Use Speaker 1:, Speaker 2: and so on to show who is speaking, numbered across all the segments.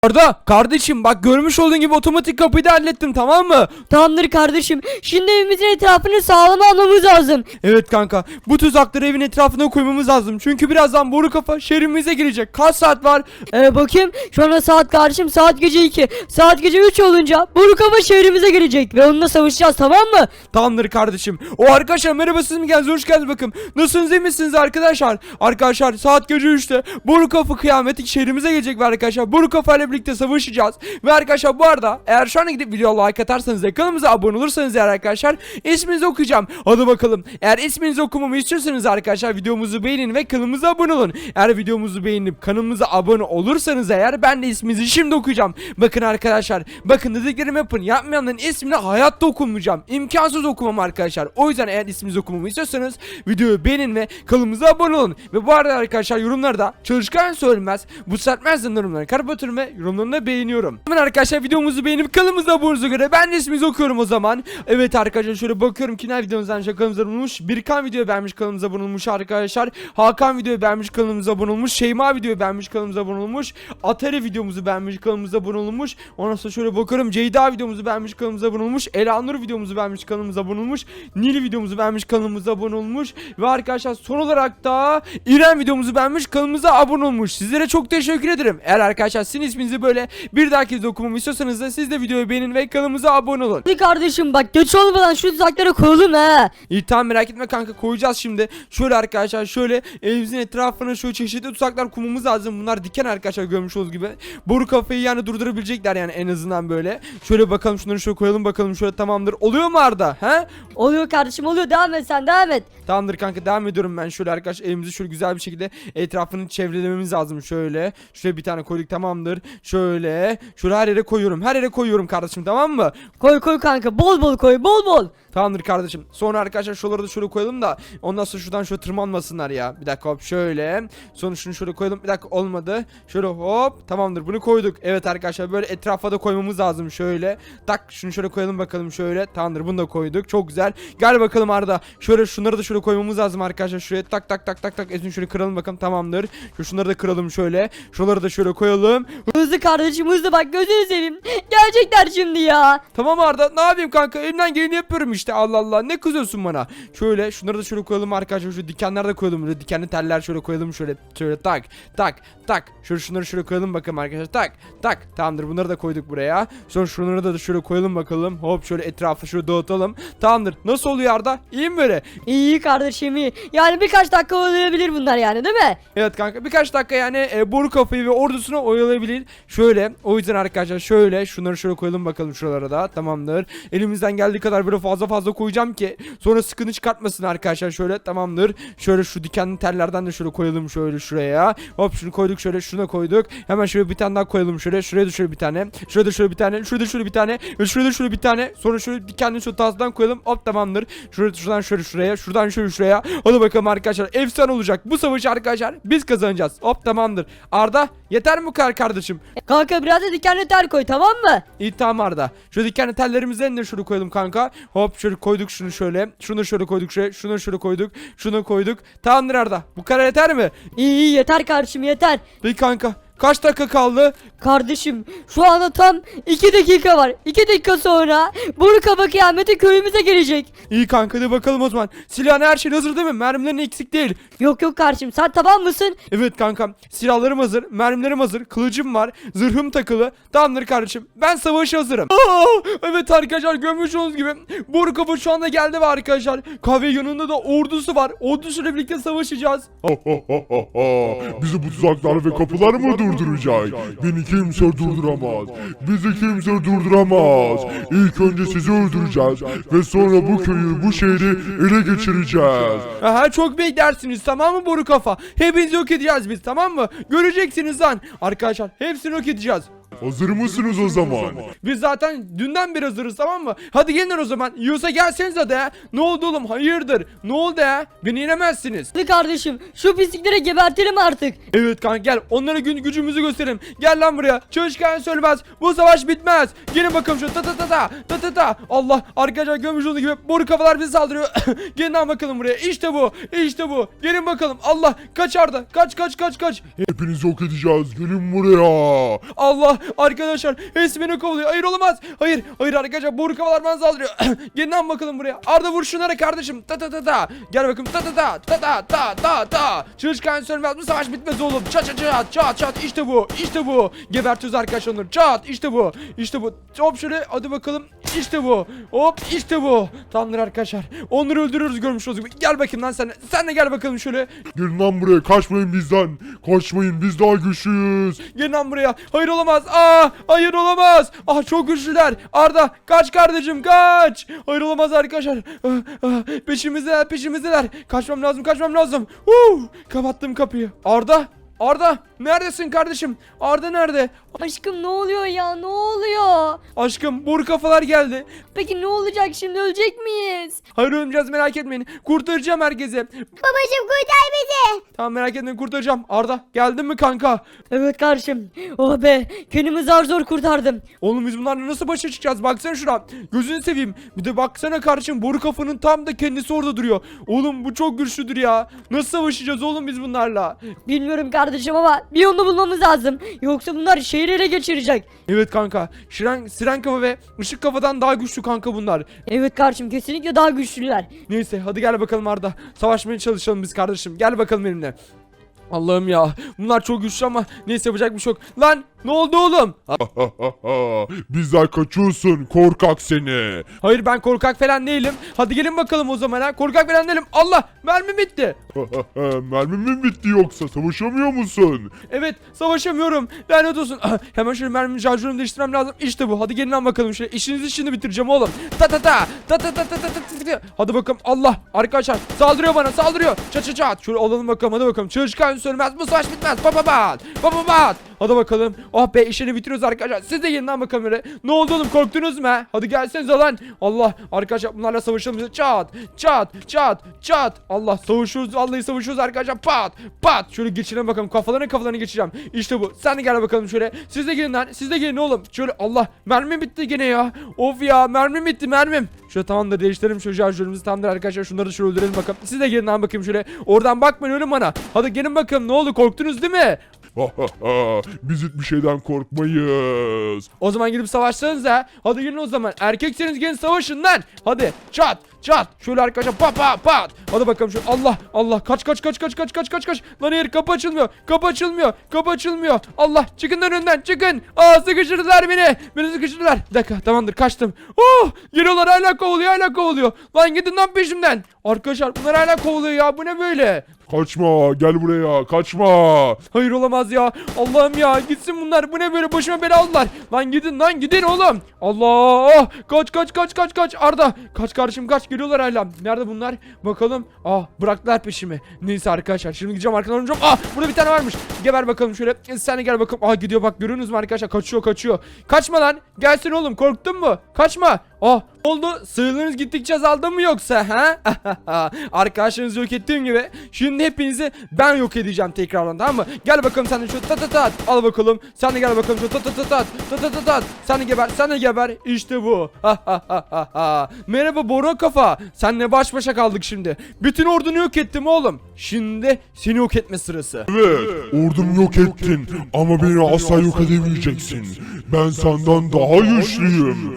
Speaker 1: Arda kardeşim bak görmüş olduğun gibi otomatik kapıyı da hallettim, tamam mı?
Speaker 2: Tamamdır kardeşim. Şimdi evimizin etrafını sağlam almamız lazım.
Speaker 1: Evet kanka, bu tuzakları evin etrafına koymamız lazım. Çünkü birazdan boru kafa şehrimize girecek. Kaç saat var?
Speaker 2: Bakayım şu anda saat kardeşim saat gece 2. Saat gece 3 olunca Burukava şehrimize gelecek ve onunla savaşacağız, tamam mı?
Speaker 1: Tamamdır kardeşim. O arkadaşlar merhaba, siz mi geldiniz? Hoş geldiniz bakın. Nasılsınız, iyi misiniz arkadaşlar? Arkadaşlar saat gece 3'te boru kafa kıyameti şehrimize gelecek ve arkadaşlar boru kafa ile birlikte savaşacağız. Ve arkadaşlar bu arada eğer şu an gidip video like atarsanız ve kanalımıza abone olursanız eğer arkadaşlar isminizi okuyacağım. Hadi bakalım. Eğer isminizi okumamı istiyorsanız arkadaşlar videomuzu beğenin ve kanalımıza abone olun. Eğer videomuzu beğenip kanalımıza abone olursanız eğer ben de isminizi şimdi okuyacağım. Bakın arkadaşlar, bakın dediklerimi yapın. Yapmayanların ismini hayatta okumayacağım. İmkansız okumam arkadaşlar. O yüzden eğer isminizi okumamı istiyorsanız videoyu beğenin ve kanalımıza abone olun. Ve bu arada arkadaşlar yorumlarda çalışkan söylemez, bu sertmezden yorumları kapatıyorum ve yorumlarını da beğeniyorum. Hemen arkadaşlar videomuzu beğenip kanalımıza abone olduğunuza göre ben de isminizi okuyorum o zaman. Evet arkadaşlar şöyle bakıyorum kimler videomuzdan kanalımıza abone olmuş. Birkan video beğenmiş, kanalımıza abone olmuş arkadaşlar. Hakan video beğenmiş, kanalımıza abone olmuş. Şeyma video beğenmiş, kanalımıza abone olmuş. Atari videomuzu beğenmiş, kanalımıza abone olmuş. Ondan sonra şöyle bakıyorum Ceyda videomuzu beğenmiş, kanalımıza abone olmuş. Elanur videomuzu beğenmiş, kanalımıza abone olmuş. Nil videomuzu beğenmiş, kanalımıza abone olmuş. Ve arkadaşlar son olarak da İrem videomuzu beğenmiş, kanalımıza abone olmuş. Sizlere çok teşekkür ederim. Eğer arkadaşlar sizin isminizi böyle bir dahaki videoda okumamı istiyorsanız da siz de videoyu beğenin ve kanalımıza abone olun.
Speaker 2: Hadi kardeşim bak geç olmadan şu tuzaklara koyalım ha.
Speaker 1: İyi tamam, merak etme kanka, koyacağız şimdi. Şöyle arkadaşlar şöyle evimizin etrafına şöyle çeşitli tuzaklar kurmamız lazım. Bunlar diken arkadaşlar, görmüş olduğunuz gibi. Boru kafayı yani durdurabilecekler yani en azından böyle. Şöyle bakalım, şunları şöyle koyalım bakalım, şöyle tamamdır. Oluyor mu Arda? He?
Speaker 2: Oluyor kardeşim, oluyor, devam et, sen devam et.
Speaker 1: Tamamdır kanka, devam ediyorum ben. Şöyle arkadaşlar evimizi şöyle güzel bir şekilde etrafını çevrelememiz lazım şöyle. Şöyle bir tane koyduk, tamamdır. Şöyle her yere koyuyorum. Her yere koyuyorum kardeşim, tamam mı?
Speaker 2: Koy koy kanka, bol bol koy, bol bol.
Speaker 1: Tamamdır kardeşim. Sonra arkadaşlar şuraları da şöyle koyalım da ondan sonra şuradan şöyle tırmanmasınlar ya. Bir dakika hop şöyle. Sonra şunu şöyle koyalım. Bir dakika olmadı. Şöyle hop. Tamamdır, bunu koyduk. Evet arkadaşlar böyle etrafa da koymamız lazım şöyle. Tak şunu şöyle koyalım bakalım şöyle. Tamamdır, bunu da koyduk. Çok güzel. Gel bakalım Arda. Şöyle şunları da şöyle koymamız lazım arkadaşlar. Şuraya tak tak tak tak tak. Şöyle kıralım bakalım, tamamdır. Şunları da kıralım şöyle. Şuraları da şöyle koyalım.
Speaker 2: Hızlı kardeşim hızlı, bak gözünü seveyim. Gelecekler şimdi ya.
Speaker 1: Tamam Arda, ne yapayım kanka, elimden geleni yapıyorum işte, Allah Allah, ne kızıyorsun bana. Şöyle şunları da şöyle koyalım arkadaşlar, şu dikenler de koyalım, böyle dikenli teller şöyle koyalım şöyle tak tak tak. Şöyle şunları şöyle koyalım bakalım arkadaşlar, tak tak. Tamamdır, bunları da koyduk buraya. Sonra şunları da şöyle koyalım bakalım, hop şöyle etrafı şöyle dağıtalım. Tamamdır, nasıl oluyor Arda, iyi mi böyle?
Speaker 2: İyi kardeşim iyi. Yani birkaç dakika oynayabilir bunlar yani, değil mi?
Speaker 1: Evet kanka, birkaç dakika yani boru kafayı ve ordusunu oyalayabilir. Şöyle, o yüzden arkadaşlar şöyle şunları şöyle koyalım bakalım şuralara da, tamamdır. Elimizden geldiği kadar böyle fazla koyacağım ki sonra sıkıntı çıkartmasın arkadaşlar, şöyle tamamdır. Şöyle şu dikenli tellerden de şöyle koyalım şöyle şuraya. Hop şunu koyduk, şöyle şuna koyduk. Hemen şöyle bir tane daha koyalım şöyle. Şuraya da şöyle bir tane. Şurada da şöyle bir tane. Şurada şöyle bir tane. Ve şurada da şöyle bir tane. Sonra şöyle dikenli şu tazdan koyalım. Hop tamamdır. Şuradan şöyle şuraya. Şuradan şöyle şuraya. Hadi bakalım arkadaşlar. Efsane olacak. Bu savaşı arkadaşlar biz kazanacağız. Hop tamamdır. Arda yeter mi bu kadar kardeşim?
Speaker 2: Kanka biraz da dikenli tel koy, tamam mı?
Speaker 1: İyi tamam Arda. Şu dikenli tellerimizden de şunu koyalım kanka. Hop şöyle koyduk şunu şöyle. Şunu şöyle koyduk şöyle. Şunu şöyle koyduk. Şunu koyduk. Tamamdır Arda. Bu kadar yeter mi?
Speaker 2: İyi yeter kardeşim yeter.
Speaker 1: Peki kanka. Kaç dakika kaldı?
Speaker 2: Kardeşim şu anda tam 2 dakika var. 2 dakika sonra Burukava kıyameti köyümüze gelecek.
Speaker 1: İyi kanka, hadi bakalım o zaman. Silahın her şey hazır değil mi? Mermilerin eksik değil.
Speaker 2: Yok yok kardeşim, sen tamam mısın?
Speaker 1: Evet kankam. Silahlarım hazır. Mermilerim hazır. Kılıcım var. Zırhım takılı. Tamamdır kardeşim. Ben savaşa hazırım. Evet arkadaşlar, görmüş olduğunuz gibi Burukava şu anda geldi ve arkadaşlar kahve yanında da ordusu var. Ordusuyla birlikte savaşacağız.
Speaker 3: Bizi bu tuzaklar ve kapılar mı durduracak? Beni kimse durduramaz. Bizi kimse durduramaz. İlk önce sizi öldüreceğiz ve sonra bu köyü, bu şehri ele geçireceğiz.
Speaker 1: Aha, çok beklersiniz, tamam mı boru kafa? Hepinizi yok edeceğiz biz, tamam mı? Göreceksiniz lan. Arkadaşlar hepsini yok edeceğiz.
Speaker 3: Hazır mısınız o zaman?
Speaker 1: Biz zaten dünden beri hazırız, tamam mı? Hadi gelin o zaman. Yiyorsa gelseniz hadi ya. Ne oldu oğlum? Hayırdır? Ne oldu ya? Beni yenemezsiniz.
Speaker 2: Hadi kardeşim şu pislikleri gebertelim artık.
Speaker 1: Evet kanka, gel. Onlara gücümüzü gösterelim. Gel lan buraya. Çalışkan söylemez. Bu savaş bitmez. Gelin bakalım şu ta. Allah, arkadaşlar görmüş olduğunuz gibi boru kafalar bizi saldırıyor. Gelin lan bakalım buraya. İşte bu. İşte bu. Gelin bakalım. Allah, kaç Arda. Kaç.
Speaker 3: Hepinizi yok edeceğiz. Gelin buraya.
Speaker 1: Allah. Arkadaşlar hepsi beni kovalıyor. Hayır olamaz. Hayır. Hayır arkadaşlar boru kafalar bana saldırıyor. Gelin lan bakalım buraya. Arda vur şunlara kardeşim. Ta ta ta ta. Gel bakalım. Ta ta ta ta ta ta ta ta. Çalışkan sönmez. Bu savaş bitmez oğlum. Çat çat çat çat çat. İşte bu. İşte bu. Gebertiyoruz arkadaşlar onları. Çat. İşte bu. İşte bu. Hop şöyle. Hadi bakalım. İşte bu. Hop işte bu. Tamamdır arkadaşlar. Onları öldürüyoruz görmüş olduğunuz gibi. Gel bakayım lan sen. Sen de gel bakalım şöyle.
Speaker 3: Gelin lan buraya, kaçmayın bizden. Kaçmayın, biz daha güçlüyüz.
Speaker 1: Gelin lan buraya. Hayır olamaz. Hayır olamaz. Çok güçlüler. Arda kaç kardeşim kaç. Hayır olamaz arkadaşlar. Peşimizdeler peşimizdeler. Kaçmam lazım kaçmam lazım. Kapattım kapıyı. Arda neredesin kardeşim? Arda nerede?
Speaker 2: Aşkım ne oluyor ya, ne oluyor?
Speaker 1: Aşkım boru kafalar geldi.
Speaker 2: Peki ne olacak şimdi, ölecek miyiz?
Speaker 1: Hayır ölmeyeceğiz merak etmeyin. Kurtaracağım herkese.
Speaker 4: Babacım kurtar bizi.
Speaker 1: Tamam merak etmeyin kurtaracağım. Arda geldin mi kanka?
Speaker 2: Evet kardeşim. Oh be, kendimi zar zor kurtardım.
Speaker 1: Oğlum biz bunlarla nasıl başa çıkacağız? Baksana şuna. Gözünü seveyim. Bir de baksana kardeşim boru kafanın tam da kendisi orada duruyor. Oğlum bu çok güçlüdür ya. Nasıl savaşacağız oğlum biz bunlarla?
Speaker 2: Bilmiyorum kardeşim ama bir yolunu bulmamız lazım. Yoksa bunlar şehri ele geçirecek.
Speaker 1: Evet kanka. Siren kafa ve ışık kafadan daha güçlü kanka bunlar.
Speaker 2: Evet kardeşim, kesinlikle daha güçlüler.
Speaker 1: Neyse hadi gel bakalım Arda. Savaşmaya çalışalım biz kardeşim. Gel bakalım benimle. Allah'ım ya. Bunlar çok güçlü ama neyse yapacak bir şey yok. Lan ne oldu oğlum?
Speaker 3: Bizden kaçıyorsun, korkak seni.
Speaker 1: Hayır ben korkak falan değilim. Hadi gelin bakalım o zaman ha. Korkak falan değilim. Allah mermi bitti.
Speaker 3: Mermin mi bitti yoksa, savaşamıyor musun?
Speaker 1: Evet savaşamıyorum. Lanet olsun. Hemen şöyle mermi şarjörümü değiştirmem lazım. İşte bu. Hadi gelin lan bakalım şöyle. İşinizi şimdi bitireceğim oğlum. Ta ta ta. Ta ta ta ta ta ta. Hadi bakalım. Allah. Arkadaşlar saldırıyor bana saldırıyor. Çat çat çat. Şöyle alalım bakalım hadi bakalım. Çalışkan sönmez. Bu savaş bitmez. Baba bat. Baba bat. Hadi bakalım. Oh be işini bitiriyoruz arkadaşlar. Siz de gelin lan bakalım öyle. Ne oldu oğlum korktunuz mu he? Hadi gelsenize lan. Allah. Arkadaşlar bunlarla savaşalım. Çat. Çat. Çat. Çat. Allah savaşıyoruz. Vallahi savaşıyoruz arkadaşlar. Pat. Pat. Şöyle geçirelim bakalım. Kafalarını geçireceğim. İşte bu. Sen de gel bakalım şöyle. Siz de gelin lan. Siz de gelin oğlum. Şöyle Allah. Mermim bitti gene ya. Of ya. Mermim bitti mermim. Şöyle tamamdır değiştirelim şu şarjörümüzü tamamdır arkadaşlar. Şunları da şöyle öldürelim bakalım. Siz de gelin lan bakayım şöyle. Oradan bakmayın öyle bana. Hadi gelin bakalım. Ne oldu korktunuz değil mi?
Speaker 3: Biz hiçbir şeyden korkmayız.
Speaker 1: O zaman gidip savaşsanız ha. Hadi gelin o zaman. Erkekseniz gelin savaşın lan. Hadi çat çat. Şöyle arkadaşlar pat pat pat. Hadi bakalım şöyle. Allah Allah kaç kaç kaç kaç kaç kaç kaç kaç. Lan hayır kapı açılmıyor. Kapı açılmıyor. Kapı açılmıyor. Allah çıkın önünden çıkın. Sıkıştırdılar beni. Beni sıkıştırdılar. Bir dakika tamamdır kaçtım. Geliyorlar hala kovalıyor. Lan gidin lan peşimden. Arkadaşlar bunlar hala kovalıyor ya. Bu ne böyle?
Speaker 3: Kaçma, gel buraya, kaçma.
Speaker 1: Hayır olamaz ya. Allah'ım ya gitsin bunlar. Bu ne böyle başıma bela aldılar. Lan gidin oğlum. Allah. Kaç Arda. Kaç kardeşim kaç geliyorlar hala. Nerede bunlar? Bakalım. Bıraktılar peşimi. Neyse arkadaşlar şimdi gideceğim arkadan olacağım. Burada bir tane varmış. Geber bakalım şöyle. Sen de gel bakalım. Gidiyor bak görüyorsunuz mu arkadaşlar? Kaçıyor. Kaçma lan. Gelsin oğlum korktun mu? Kaçma. Oldu. Sığırlarınız gittikçe azaldı mı yoksa ha? Arkadaşlarınızı yok ettiğim gibi. Şimdi hepinizi ben yok edeceğim tekrardan tamam mı? Gel bakalım sen de şu tat. Al bakalım. Sen de gel bakalım şu tat. Sen de geber. İşte bu. Merhaba Boru kafa. Seninle baş başa kaldık şimdi. Bütün ordunu yok ettim oğlum. Şimdi seni yok etme sırası.
Speaker 3: Evet, ordumu yok ettin ama beni asla yok edemeyeceksin. Ben senden daha güçlüyüm.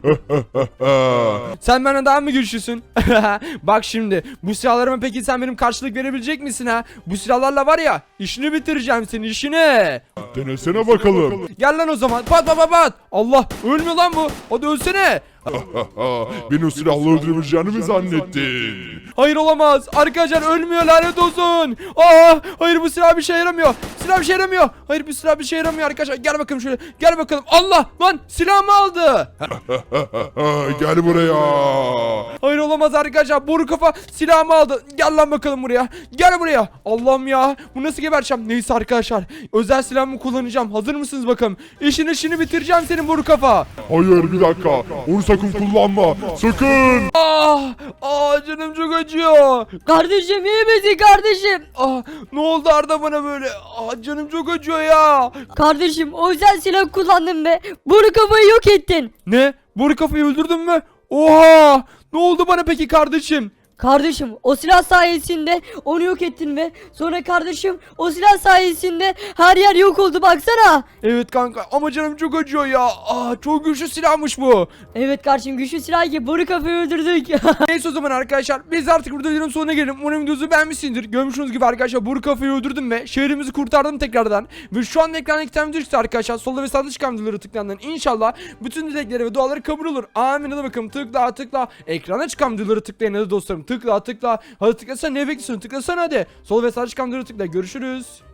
Speaker 1: Sen benden daha mı güçlüsün? Bak şimdi bu silahlarıma peki sen benim karşılık verebilecek misin ha? Bu silahlarla var ya işini bitireceğim senin işini.
Speaker 3: Denesene bakalım.
Speaker 1: Gel lan o zaman pat. Allah ölmüyor lan bu. Hadi ölsene.
Speaker 3: Beni o silahla öldürebileceğini mi zannettin?
Speaker 1: Hayır olamaz. Arkadaşlar ölmüyor lanet olsun. Hayır bu silah bir şey yaramıyor. Hayır bu silah bir şey yaramıyor arkadaşlar. Gel bakalım şöyle. Gel bakalım. Allah lan silahımı aldı.
Speaker 3: Gel buraya.
Speaker 1: Hayır olamaz arkadaşlar. Boru kafa silahımı aldı. Gel lan bakalım buraya. Gel buraya. Allah'ım ya. Bu nasıl gebereceğim? Neyse arkadaşlar. Özel silahımı kullanacağım. Hazır mısınız bakalım? İşini bitireceğim senin boru kafa.
Speaker 3: Hayır bir dakika. Onu sakın kullanma. Sakın.
Speaker 1: Canım çok acıyor.
Speaker 2: Kardeşim iyi misin kardeşim?
Speaker 1: Ne oldu Arda bana böyle? Canım çok acıyor ya.
Speaker 2: Kardeşim o özel silah kullandın be. Bunu kafayı yok ettin.
Speaker 1: Ne? Boru kafayı öldürdün mü? Oha! Ne oldu bana peki kardeşim?
Speaker 2: Kardeşim o silah sayesinde onu yok ettin ve sonra kardeşim o silah sayesinde her yer yok oldu baksana.
Speaker 1: Evet kanka ama canım çok acıyor ya. Çok güçlü silahmış bu.
Speaker 2: Evet kardeşim güçlü silah ki boru kafayı öldürdük.
Speaker 1: Neyse o zaman arkadaşlar biz artık burada videonun sonuna gelelim. Umarım videomuzu beğenmişsinizdir. Görmüşsünüz gibi arkadaşlar Boru Kafayı öldürdüm ve şehrimizi kurtardım tekrardan. Ve şu an ekranda iki tane video çıktı arkadaşlar. Solda ve sağda çıkan videoları tıklandığında inşallah bütün dilekleri ve duaları kabul olur. Amin. Hadi bakalım tıkla. Ekrana çıkan videoları tıklayın hadi dostlarım. Tıkla. Hadi tıklasana, ne bekliyorsun? Tıklasana hadi. Sol ve sağda çıkan videoları tıkla. Görüşürüz.